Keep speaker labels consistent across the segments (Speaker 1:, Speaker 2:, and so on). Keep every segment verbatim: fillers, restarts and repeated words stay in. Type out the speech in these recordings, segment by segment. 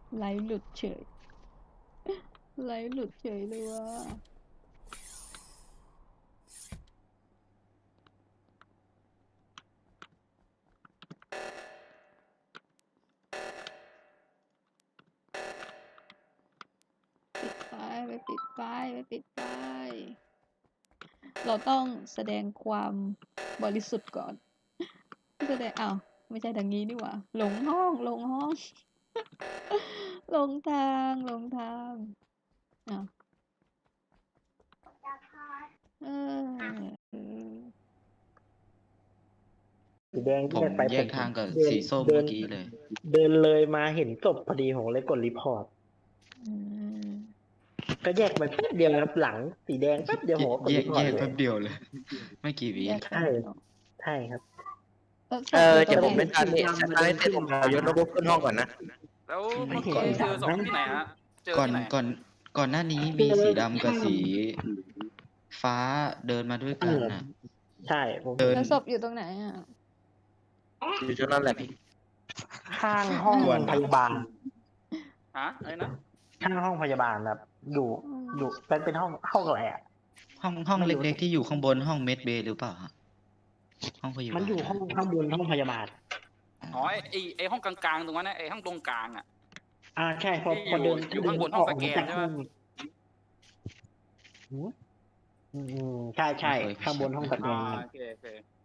Speaker 1: ไลฟ์หลุดเฉยไลฟ์หลุดเฉยเลยว่ะปิดป้ายไปปิดป้ายไปปิดป้ายเราต้องแสดงความบริสุทธิ์ก่อนแสดงอ้าวไม่ใช่ทางนี้นี่หว่าหลงห้องหลงห้องหลงทางหลงทางอ้าวเออ
Speaker 2: สีแดง
Speaker 3: ผ
Speaker 2: แย
Speaker 3: ม
Speaker 2: กไป
Speaker 3: แย
Speaker 2: ผ
Speaker 3: ก
Speaker 2: ม
Speaker 3: ทางกับ
Speaker 2: เดิน
Speaker 3: สีส้ม
Speaker 2: เดิ
Speaker 3: เมื่
Speaker 2: น
Speaker 3: อกี้เลย
Speaker 2: เดินเลยมาเห็นศพพอดีผมเลยกดรีพอร์ต
Speaker 1: อืม
Speaker 2: ก็แยกไปแป๊บเดียวครับหลังสีแดงแป๊บเดียวผมก็กด
Speaker 3: แย
Speaker 2: รี
Speaker 3: ก
Speaker 2: พอ
Speaker 3: แย
Speaker 2: ร์ต
Speaker 3: ก
Speaker 2: เล
Speaker 3: แป๊
Speaker 2: ย
Speaker 3: บเดียวเลย ไม่กี่วิ
Speaker 1: แยก
Speaker 2: ใช่
Speaker 1: แป๊บเดียว
Speaker 2: ใช่ครับ
Speaker 1: แล้วศ
Speaker 4: เอ
Speaker 1: พ
Speaker 4: อ
Speaker 1: อยู่ตร
Speaker 4: เดี๋ยว
Speaker 1: ง
Speaker 4: ผม
Speaker 1: ไหน
Speaker 4: เป็นทางนี้ทางนี้เสร็จผมเอายศระบบขึ้นห้องก่อนนะ
Speaker 5: แล้ว
Speaker 2: ไม่
Speaker 5: เมื่อ
Speaker 2: เห็น
Speaker 5: กี้
Speaker 1: โอเค
Speaker 5: เจอศพที่ไหนฮะ เจอ
Speaker 3: ก่อน
Speaker 5: ที่ไหน
Speaker 3: ก่อนก่อนหน้านี้มีสีดำกับสีฟ้าเดินมาด้วยกันน่ะ
Speaker 2: ใช่ผม
Speaker 3: เดิน
Speaker 1: แล้วศพอยู่ตรงไหนอ่ะ
Speaker 4: อยู่ตรงนั้นแหละพี่
Speaker 2: ข้างห้อง
Speaker 3: กวน
Speaker 2: พยาบาล
Speaker 5: ฮะอะไรนะ
Speaker 2: ข้างห้องพยาบาลครับอยู่อยู่เป็นเป็นห้องห้องอะไรอ่ะ
Speaker 3: ห้องห้อง
Speaker 2: ไม่รู้
Speaker 3: เล็กๆที่อยู่ข้างบนห้องเมดเบย์หรือเปล่าฮะห้องพยาบาล
Speaker 2: มันอยู่ห้องข้างบนห้องพยาบาล
Speaker 5: อ๋อไอไอไอห้องกลางๆตรงนั้นนะไอห้องตรงกลางอ่ะ
Speaker 2: อ่าใช่พอ
Speaker 5: ที่
Speaker 2: พอเดิน
Speaker 5: อยู่
Speaker 2: เดิ
Speaker 5: ข้างบน
Speaker 2: ออก
Speaker 5: ห้องสแกน
Speaker 2: จาก
Speaker 5: ใช่
Speaker 2: ห้
Speaker 5: ปะ
Speaker 2: องหืมอืมใช่ใช่ข้างบนห้องสแก
Speaker 5: อ่าน โอเคโอเค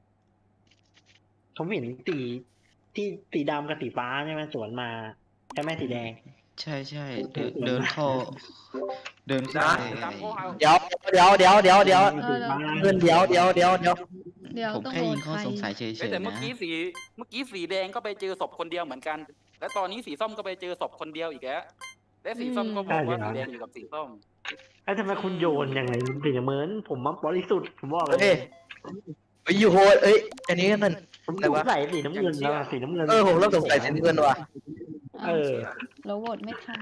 Speaker 2: ผมเห็นสีที่สีดำกับสีฟ้าใช่ไหมสวนมาใช่ไหมสีแดง
Speaker 3: ใช่ใช่เดินเดินเข้า เดินเข้า
Speaker 4: นะ
Speaker 3: ไป
Speaker 5: ตามพวกเอา
Speaker 4: เดี๋ยวเดี๋ยวเดี๋ยวเดี๋ยวเดี๋ยว
Speaker 1: เออแล้ว
Speaker 4: เพื่อนเดี๋ยวเดี๋ยวเดี๋ยวเดี๋ยว
Speaker 1: เดี๋ยว
Speaker 3: ผม
Speaker 1: ต้อง
Speaker 3: แค่
Speaker 1: โหว
Speaker 3: ยิ
Speaker 1: ต
Speaker 3: งข้อ
Speaker 1: ใคร
Speaker 3: สงสัยเฉย
Speaker 5: เอ้ยแต่
Speaker 3: ๆ
Speaker 5: เมื่อ
Speaker 3: นะ
Speaker 5: กี้สีเมื่อกี้สีแดงก็ไปเจอศพคนเดียวเหมือนกัน แล้วตอนนี้สีส้มก็ไปเจอศพคนเดียวอีกแล้วและสีส้มก็บอกว่าสีแดงอยู่กับสีส้ม
Speaker 2: ไอ้ยทำไมคุณโยนอย่างไรสีเหมือนผมมาบริสุทธิ์ผมบอกเล
Speaker 4: เอ้
Speaker 2: ย
Speaker 4: ยเอ้ยอยู่โหดเอ้ยอันนี้มัน
Speaker 2: ผม
Speaker 4: อะไร
Speaker 2: สง
Speaker 4: วะ
Speaker 2: สัยสีน้ำเงินแล้วอะสีน้ำเงิน
Speaker 4: เออผมเริ่มสงสัยสีน้ำเงินว่ะ
Speaker 2: เออ
Speaker 1: แล้วโหวตไม่ทัน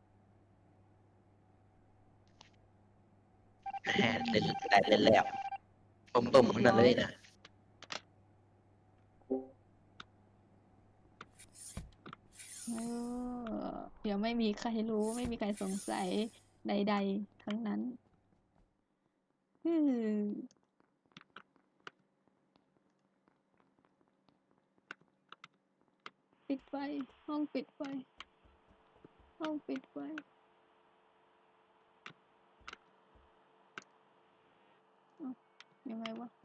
Speaker 4: แหมเล่นแต่เล่นแล้วต้มต้มๆขนาดเลยนะ
Speaker 1: เออเดี๋ยวไม่มีใครรู้ไม่มีใครสงสัยใดๆทั้งนั้นอืมปิดไฟห้องปิดไฟห้องปิดไฟเอ้ายังไงวะ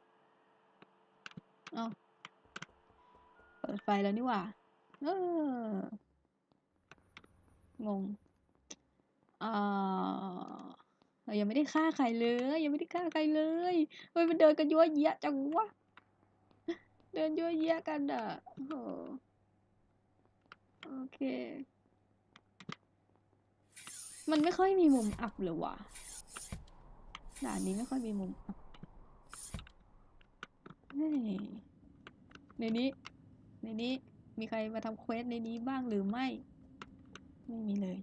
Speaker 1: เอ้าเปิดไฟแล้วนี่หว่าเอองงอ่าเรายังไม่ได้ฆ่าใครเลยยังไม่ได้ฆ่าใครเลยเฮ้ยมันเดินกันยั่วเยี้ยจังวะเดินยั่วเยี้ยกันอ่ะโอ้โหโอเค มันไม่ค่อยมีมุมอับเลยว่ะด่านนี้ไม่ค่อยมีมุมอับเฮ้ยในนี้ ในนี้ มีใครมาทำเควสในนี้บ้างหรือไม่ ไม่มีเลย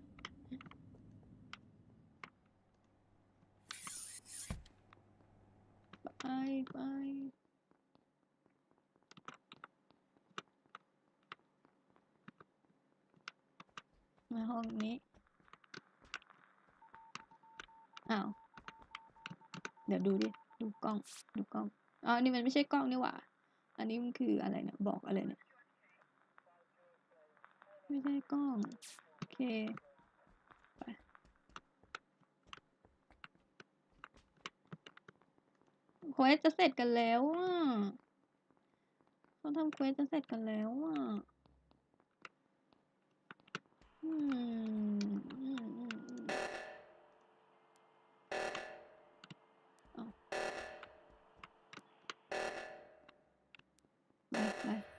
Speaker 1: ไปไปมาห้องนี้ อ้าว เดี๋ยวดูดิ ดูกล้อง ดูกล้องอ๋อนี่มันไม่ใช่กล้องนี่หว่า อันนี้มันคืออะไรเนี่ย บอกอะไรเนี่ย ไม่ใช่กล้อง โอเค ไปเควสจะเสร็จกันแล้วอ่ะเขาทำเควสจะเสร็จกันแล้วอ่ะอืมอืมอืมอืมเอาไปไปไป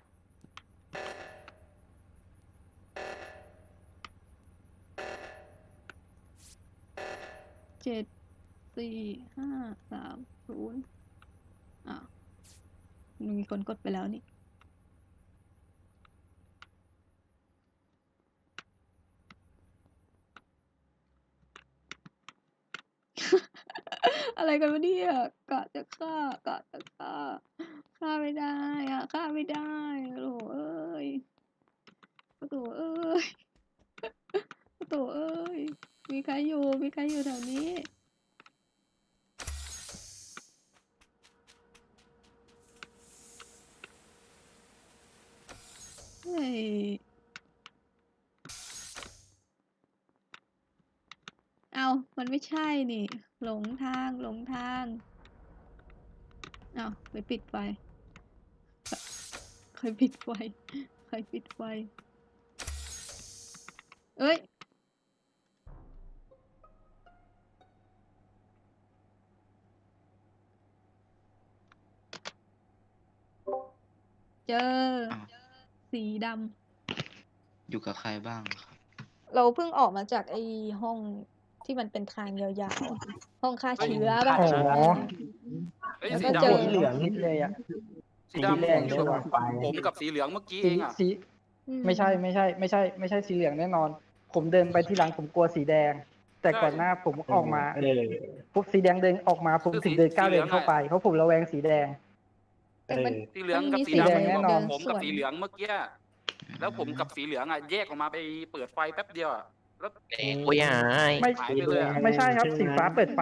Speaker 1: เจ็ดสี่ห้าสามศูนย์อ้าวมีคนกดไปแล้วนี่ อะไรกันวะเนี่ยกะจะฆ่ากะจะฆ่าฆ่าไม่ได้อะฆ่าไม่ได้โอ้โหเอ้ยโอ้โหเอ้ยอยู่ มีใครอยู่แถวนี้ เฮ้ย อ้าว มันไม่ใช่นี่ หลงทาง หลงทาง อ้าว ไปปิดไฟ ใครปิดไฟ ใครปิดไฟ เอ้ย เจอ
Speaker 3: อ้าว
Speaker 1: สีด
Speaker 3: อยู่กับใครบ้างครับ
Speaker 1: ำ เราเพิ่งออกมาจากไอ้ห้องที่มันเป็นทางยาวๆ ห้องฆ่าเชื้อป่ะ
Speaker 2: อ๋อ
Speaker 5: เฮ้ย
Speaker 1: แล้ว
Speaker 5: สี
Speaker 1: ก็
Speaker 5: ดำ
Speaker 1: เจอ
Speaker 2: สีเหลืองนิดเลยอ่ะ
Speaker 5: สี
Speaker 2: สี
Speaker 5: ดำ
Speaker 2: แด
Speaker 5: ผ
Speaker 2: ง
Speaker 5: มอ
Speaker 2: เดิ
Speaker 5: ยู่
Speaker 2: น
Speaker 5: กับ
Speaker 2: ออกไป
Speaker 5: ผมกับสีเหลืองเมื่อกี้
Speaker 6: สี
Speaker 5: เองอ่ะ
Speaker 6: สี
Speaker 1: อืม
Speaker 6: ไม่ใช่ไม่ใช่ไม่ใช่ไม่ใช่สีเหลืองแน่นอน ผมเดินไปที่หลังผมกลัวสีแดง แต่
Speaker 5: ใช่
Speaker 6: ก่อนหน้าผมออกมา
Speaker 2: เออ
Speaker 6: ปุ๊บสีแดงเดินออกมาผม
Speaker 5: คือ
Speaker 6: ถึง
Speaker 5: สี
Speaker 6: เดินก้าว
Speaker 5: สีเหลื
Speaker 6: เดิ
Speaker 5: อง
Speaker 6: นเข้า
Speaker 5: อะ
Speaker 6: ไปเพราะผมระแวงสีแดง
Speaker 1: แต่มัน
Speaker 5: สีเหลืองกับ
Speaker 1: มันมี
Speaker 5: สี
Speaker 6: สีแดง
Speaker 5: ดำ
Speaker 6: แน่
Speaker 5: ผม
Speaker 6: นอน
Speaker 5: ผมกับสีเหลืองเมื่อกี้อะแล้วผมกับสีเหลืองอ่ะแยกออกมาไปเปิดไฟแป๊บเดียวอะแล้ว
Speaker 4: เด็กกูยาย
Speaker 6: ไม่
Speaker 5: หายไปเลยอะ
Speaker 6: ไม่ใช่ครับสีฟ้าเปิดไฟ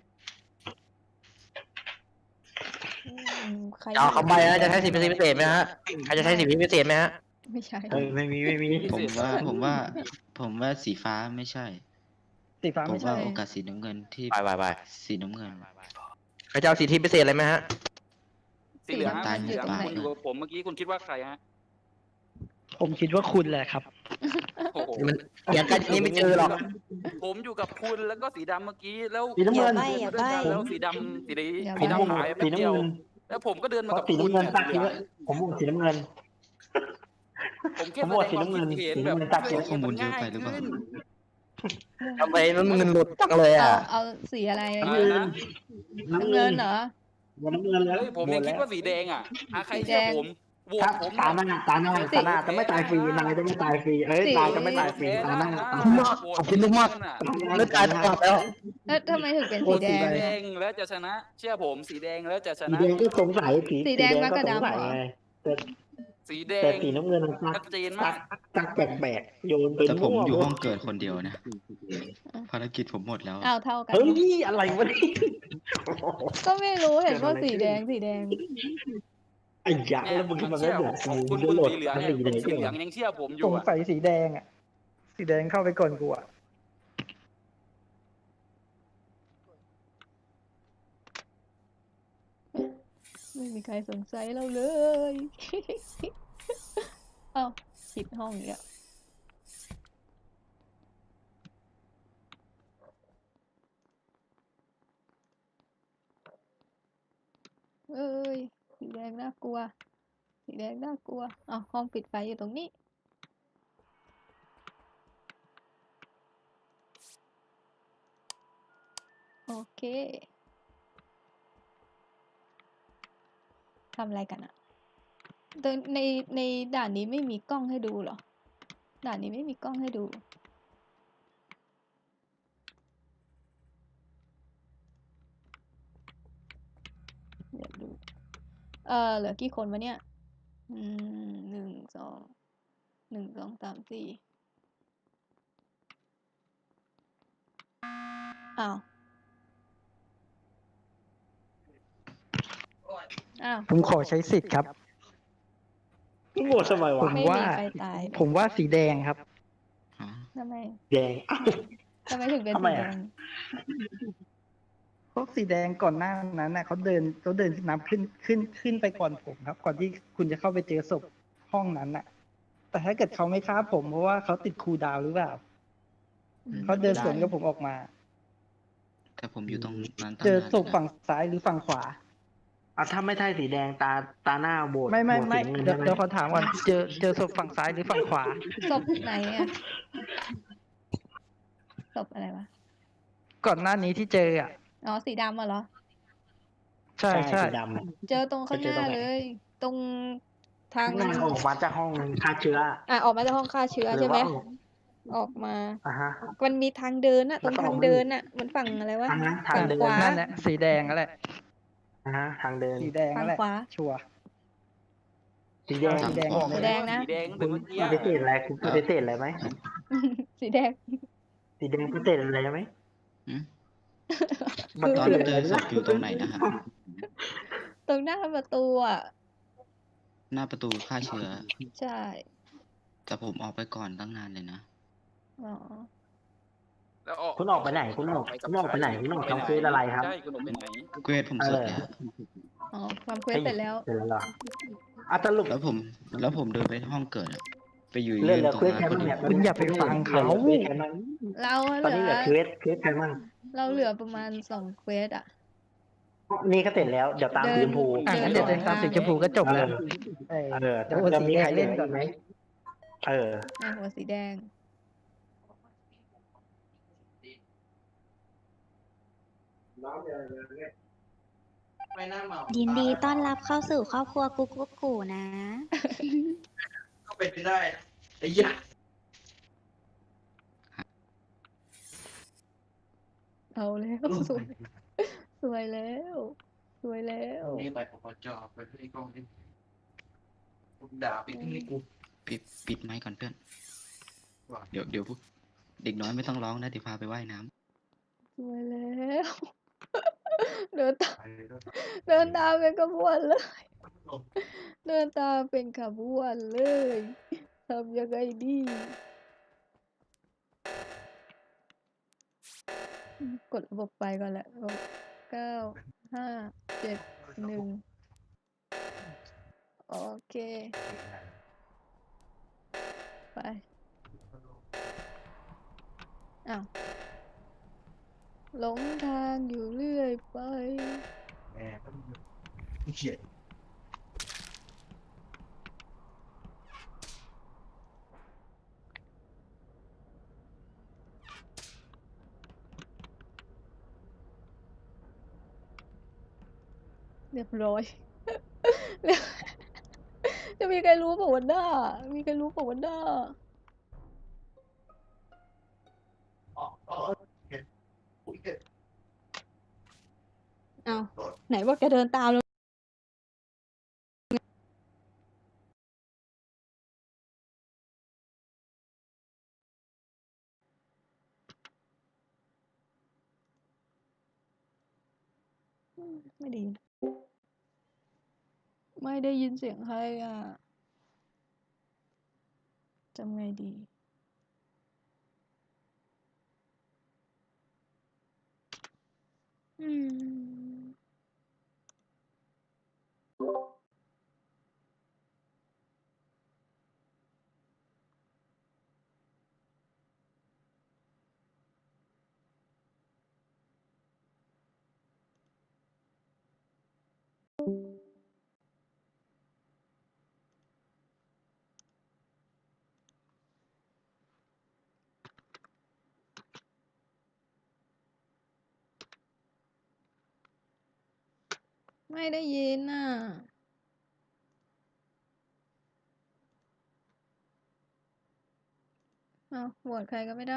Speaker 1: อืมใคร
Speaker 4: จะเอาคำใบนะจะใช้สิทธิพิเศษไหมฮะใครจะใช้สิทธิพิเศษไหมฮะ
Speaker 1: ไม่ใช่
Speaker 2: เออไม่มีไม่มี
Speaker 3: ผมว่า ผมว่า ผมว่าสีฟ้าไม่ใช่
Speaker 6: สีฟ้า
Speaker 3: ผม
Speaker 6: ไม่ใช่
Speaker 3: ว่าโอกาสสีน้ำเงินที่
Speaker 4: ไปไปไป
Speaker 3: สีน้ำเงิน
Speaker 4: ใครจะเอาสิทธิพิเศษอะไรไหมฮะ
Speaker 5: สีเหลือง
Speaker 1: สี
Speaker 5: อะ
Speaker 1: น้ำ
Speaker 5: สี
Speaker 1: เงิน
Speaker 5: เหลือง
Speaker 1: อยู่ตรงไหน
Speaker 5: คุณอยู่กับผมเมื่อกี้คุณคิดว่าใครฮะ
Speaker 6: ผมคิดว่าคุณแหละครับ
Speaker 5: โอ้โห
Speaker 4: นี่มันเถียงกันอย่างนี้ไม่เจอหรอก
Speaker 5: ผมอยู่กับคุณแล้วก็สีดำเมื่อกี้แล้ว
Speaker 2: สีน้ำเงิน
Speaker 5: อย่าใบ้แล้วสีดำสี
Speaker 1: อย่า
Speaker 5: สี
Speaker 1: ใบ้
Speaker 5: ดำหายไป
Speaker 2: สี
Speaker 5: แป๊บเดี
Speaker 2: น้ำ
Speaker 5: ยว
Speaker 2: เงิน
Speaker 5: แล้วผมก็เดิน
Speaker 2: เพ
Speaker 5: มากับ
Speaker 2: ราะสี
Speaker 5: คุณ
Speaker 2: น้ำเงิน
Speaker 5: เนี่ย
Speaker 2: ตัก
Speaker 5: สี
Speaker 2: สี
Speaker 5: เหลือง
Speaker 2: ผมบอกสีน้ำเงิน
Speaker 5: ผมแค่
Speaker 2: ผม
Speaker 5: แส
Speaker 2: บอก
Speaker 5: ดง
Speaker 2: สี
Speaker 5: ความ
Speaker 2: น้ำเงิ
Speaker 5: คิ
Speaker 2: น
Speaker 5: ดเห็น
Speaker 2: สี
Speaker 5: แบ
Speaker 2: น้ำ
Speaker 5: บ
Speaker 2: เงินตัด
Speaker 5: ช่วย
Speaker 3: ข้อมูล
Speaker 5: มัน
Speaker 3: เยอะ
Speaker 5: ง่าย
Speaker 3: ไปหรือเปล่า
Speaker 5: ขึ้น
Speaker 4: ทำไมมันเงินหลุดจังเลย
Speaker 1: เอา
Speaker 4: อ่ะ
Speaker 1: เอาสีอะไร
Speaker 2: น้ำเงิน
Speaker 1: น้ำเงินเหรอ
Speaker 2: น้ำเงินแล้ว
Speaker 5: เฮ้ยผมยังคิดว่าสีแดงอ่ะอ่ะใคร
Speaker 1: สีแด
Speaker 5: เชื่อง ผมโหวต
Speaker 2: ถ้า
Speaker 5: ผม
Speaker 2: ตา
Speaker 5: เนี่ย
Speaker 2: หน้าตาหน้าตาหน้าจะไม่ตายฟรีนายจะไม่ตายฟรีเอ้ย
Speaker 1: สี
Speaker 2: ตายจะไม่ตายฟรีตาหน้าตา
Speaker 4: ขอบ
Speaker 2: ห
Speaker 4: คุณ
Speaker 2: น้าม
Speaker 4: าก ขอบคุณมากเลือดตายตลอดแล้ว
Speaker 1: แล้วทำไมถึงเป็น
Speaker 6: โอ้
Speaker 1: สีแด
Speaker 6: สี
Speaker 1: ง
Speaker 6: แด
Speaker 5: สีแดงแล้วจะชนะ เชื่อผมสีแดงแล้วจะช
Speaker 2: สี
Speaker 5: นะ
Speaker 2: แดงก็สงสัยสี
Speaker 1: สีแดงมาก
Speaker 2: ก็
Speaker 1: ระ
Speaker 2: สง
Speaker 1: ดำ
Speaker 2: สัย
Speaker 1: เหรอ
Speaker 2: ไงแต่
Speaker 5: สีแด
Speaker 2: แต่
Speaker 5: ง
Speaker 2: สีน้ำเงินมันตั
Speaker 5: ชั
Speaker 2: ก
Speaker 5: ดเจน
Speaker 2: ตั
Speaker 5: มาก
Speaker 2: กตักแปลกๆโยนไป
Speaker 3: แต่ผม
Speaker 2: มั่ว
Speaker 3: อยู่
Speaker 2: หมด
Speaker 3: ห้องเกิดคนเดียวนะ ภารกิจผมหมดแล้ว
Speaker 1: อ้าวเท่ากัน
Speaker 2: เฮ้ยอะไรวะนี่
Speaker 1: ก็ไม่รู้เห็นว่าสีแดงสีแดง
Speaker 2: ไอ้ยะ
Speaker 5: เนี่ย
Speaker 2: แล้วมึง
Speaker 5: มั
Speaker 2: มัน น
Speaker 5: เชื่
Speaker 2: ไม่
Speaker 5: อ
Speaker 2: เหมือน
Speaker 5: ผม
Speaker 2: กู
Speaker 5: คุณ
Speaker 2: จะ
Speaker 5: คุณ
Speaker 2: โหลด
Speaker 5: สีเหลือง
Speaker 2: ทั้ง
Speaker 5: เนี่ย
Speaker 2: สีแดง
Speaker 5: สีเหลืองยังเชื่อผมอ
Speaker 6: ส
Speaker 5: ยู่
Speaker 6: ง
Speaker 5: อ่ะ
Speaker 6: สัยสีแดงอ่ะ สีแดงเข้าไปก่อนกูอ่ะ
Speaker 1: ไม่มีใครสงสัยเราเลย เอ้าผิดห้องอีกแล้วเอ้ย สีแดงน่ากลัว สีแดงน่ากลัวอ้าวห้องปิดไฟอยู่ตรงนี้ โอเค ทำอะไรกันอะแต่ในในด่านนี้ไม่มีกล้องให้ดูเหรอ ด่านนี้ไม่มีกล้องให้ดู เดี๋ยวดู เออเหลือกี่คนวะเนี่ย อืมหนึ่งสอง หนึ่งสองสามสี่อ้าว อ้าว
Speaker 6: ผมขอใช้สิทธิ์ครับ
Speaker 2: มึงโหวตทำไม
Speaker 6: ผ
Speaker 2: วะ
Speaker 6: ม
Speaker 1: ไม่
Speaker 6: ว่า
Speaker 1: มีใครตาย
Speaker 6: ผมว่าสีแดงครับ
Speaker 3: อ๋อ
Speaker 1: ทำไม
Speaker 2: แดงอ้าว
Speaker 1: ทำไมถึงเป็น
Speaker 2: ทำไม
Speaker 1: สีแด
Speaker 2: อะ
Speaker 1: ง
Speaker 6: พวกสีแดงก่อนหน้านั้นน่ะเขาเดินเขาเดินนับขึ้นขึ้นขึ้นไปก่อนผมครับ ก่อนที่คุณจะเข้าไปเจอศพห้องนั้นน่ะ แต่ถ้าเกิดเขาไม่ฆ่าผมเพราะว่าเขาติดคูลดาวน์หรือเปล่า
Speaker 1: อืม
Speaker 6: เขาเดินสวนกับผมออกมา
Speaker 3: แต่ผมอยู่ตรงนั้นตั้ง
Speaker 6: เจอน
Speaker 3: าน
Speaker 6: ศพฝั่งซ้ายหรือฝั่งขวา
Speaker 2: อ่ะถ้าไม่ใช่สีแดงตาตาหน้าโบด
Speaker 6: ไม่ไม่
Speaker 2: โหวต
Speaker 6: ไม่
Speaker 2: สีน้ำเงิน
Speaker 6: เดี๋ยว
Speaker 2: ใช่ไหม
Speaker 6: เดี๋ยวขอถามก่อนเจอเจอศพฝั่งซ้ายหรือฝั่งขวา
Speaker 1: ศพไหนอะศพอะไรวะ
Speaker 6: ก่อนหน้านี้ที่เจออ่ะ
Speaker 1: อ๋อ สีดำอะเหรอ
Speaker 6: ใช่ใช่
Speaker 2: สีดำอะ
Speaker 1: เจอตรงข้างหน้า
Speaker 2: ไปเจอตรงไหน
Speaker 1: เลย ตรงทาง
Speaker 2: ข้างหน้าออกมาจากห้องฆ่าเชื้อ
Speaker 1: อ่ะออกมาจากห้องฆ่าเชื้อ
Speaker 2: หรื
Speaker 1: ใช่ไหม
Speaker 2: ว่า
Speaker 1: ออกมา
Speaker 2: อ่ะฮะ
Speaker 1: มันมีทางเดินอะตรง
Speaker 2: แล้วก็
Speaker 1: ทางเดินอะมันฝั่งอะไรวะ
Speaker 2: ทางนั้นทาง
Speaker 1: ฝั่ง
Speaker 2: เดิน
Speaker 1: ขวา
Speaker 6: นั่นแหละสีแดงนั่นแหละ
Speaker 2: อ่ะฮะทางเดิน
Speaker 6: สีแดงนั่นแหละ
Speaker 1: ฝั่งขวา
Speaker 6: ชัวร์
Speaker 2: สีแดง
Speaker 6: สีแดง
Speaker 1: สีแดงนะ
Speaker 5: สีแดง
Speaker 2: คุ
Speaker 5: แต่
Speaker 2: ณ
Speaker 5: เมื่อกี้
Speaker 2: ปฏิเสธอะไรคุณปฏิเสธอะไรไหม
Speaker 1: สีแดง
Speaker 2: สสีแดงพิเศษอะไรไหม
Speaker 3: หืม
Speaker 2: มัน
Speaker 3: ตอน
Speaker 2: เกิด
Speaker 3: เจ
Speaker 2: อะไร
Speaker 3: อศ
Speaker 2: นะ
Speaker 3: พอยู่ตรงไหนนะฮะ
Speaker 1: ตรงหน้าประตูอ่ะ
Speaker 3: หน้าประตูฆ่าเชื้อ
Speaker 1: ใช่
Speaker 3: แต่ผมออกไปก่อนตั้งนานเลยนะ
Speaker 1: อ๋อ
Speaker 5: แล้วออก
Speaker 2: คุณออกไปไหนคุณออก
Speaker 5: ไปกั
Speaker 2: คุณออกไปไหนคุณออกทำเฟซอะไรครับ
Speaker 5: ใช่คุณออกไปไหน
Speaker 3: เกรดผม
Speaker 2: เอ
Speaker 3: เสร็จ
Speaker 2: อ
Speaker 3: แล้ว
Speaker 1: อ๋อความเควสเสร็จแล้ว
Speaker 2: เสร็จแล้วเหรออ่ะสรุป
Speaker 3: แล้วผม แล้วผมเดินไปห้องเกิดอะไปอยู่
Speaker 2: เลื่
Speaker 3: ยื
Speaker 2: อน
Speaker 3: น
Speaker 2: เหลือ
Speaker 3: ตรง
Speaker 2: เควส
Speaker 3: นั้น
Speaker 2: ใคร
Speaker 3: พอ
Speaker 2: บ้าง
Speaker 3: ดี
Speaker 2: เนี่ย
Speaker 6: คุณอย่าไปฟังเขา
Speaker 2: หลือควสใครบ้าง
Speaker 1: เราเห
Speaker 2: ตอน
Speaker 1: ลื
Speaker 2: นี้
Speaker 1: อ
Speaker 2: เหลือเควสเควสใครบ้าง
Speaker 1: เราเหลือประมาณสองเควสอ่ะ
Speaker 2: นี่ก็เสร็จแล้ว เดี๋ยวตาม
Speaker 1: เดิ
Speaker 2: สี
Speaker 1: น
Speaker 2: ชมพู
Speaker 6: อ่ะ
Speaker 1: เดิน
Speaker 6: งั้นเดี๋ยวเดินตามสีชมพูก็จบแล้ว เออ
Speaker 2: เออ
Speaker 6: เดี๋ยวหัว
Speaker 2: จะ
Speaker 6: สี
Speaker 2: มี
Speaker 6: แด
Speaker 2: ใครง เหลื
Speaker 6: เล่
Speaker 2: อน
Speaker 6: ก่อน
Speaker 2: อีกไหมเออ
Speaker 1: อ่ะหัวสีแดง
Speaker 4: ไม่น่าเมา
Speaker 7: ยินดีต้อนรับเข้าสู่ครอบครัวกุ๊กกุ๊กกูนะ
Speaker 4: เข้าไปไม่ได้นะไอ้ยะ
Speaker 1: เอาแล้ว สวย สวยแล้ว สวยแล้ว
Speaker 4: นี่ไปปปจไปที่กองนี่กูด่าไปที่นี่กู
Speaker 3: ปิดปิดไมค์ก่อนเพื่อน
Speaker 4: ว่า
Speaker 3: เดี๋ยวเดี๋ยวพวกเด็กน้อยไม่ต้องร้องนะเดี๋ยวพาไปว่ายน้ำ
Speaker 1: สวยแล้ว เดินตาม
Speaker 4: ไปแล้ว
Speaker 1: เดินตามเป็นขบวนเลย เดินตามเป็นขบวนเลยทำยังไงดีอืมกดระบบไปก่อนแหละระบบเก้าห้าเจ็ดหนึ่งโอเค ไปอ้าวหลงทางอยู่เรื่อยไป
Speaker 4: แม่ก็เขียน
Speaker 1: เรียบร้อย เรียบจะมีใครรู้เปล่าวันหน้า มีใครรู้เปล่าวันหน้า
Speaker 4: อ๋ออ๋อเขียนอุ้ยเขียน
Speaker 1: อ้าว ไหนว่าแกเดินตามแล้ว อืมไม่ไดี ไม่ได้ยินเสียงใครอ่ะ จำไงดี อืม ไม่ได้ยินอ่ะ อ้าวโหวตใครก็ไม่ได้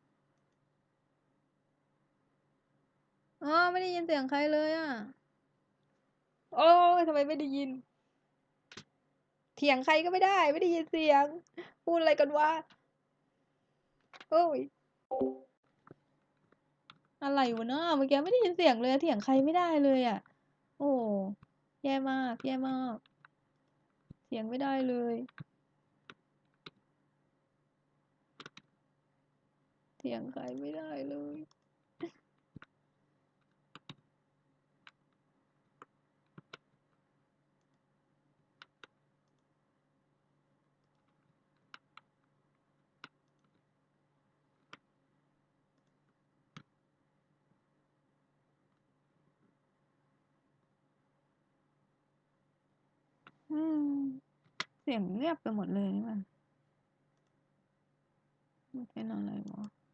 Speaker 1: อ๋อ ไม่ได้ยินเสียงใครเลยอ่ะ โอ้ยทำไมไม่ได้ยิน เถียงใครก็ไม่ได้ ไม่ได้ยินเสียง พูดอะไรกันวะโอ้ย อะไรวะเนาะเมื่อกี้ไม่ได้ยินเสียงเลย เถียงใครไม่ได้เลยอ่ะ โอ้แย่มาก แย่มาก เถียงไม่ได้เลย เถียงใครไม่ได้เลย อืม เสียงเงียบไปหมดเลยนี่มันมันเป็นอะไรวะ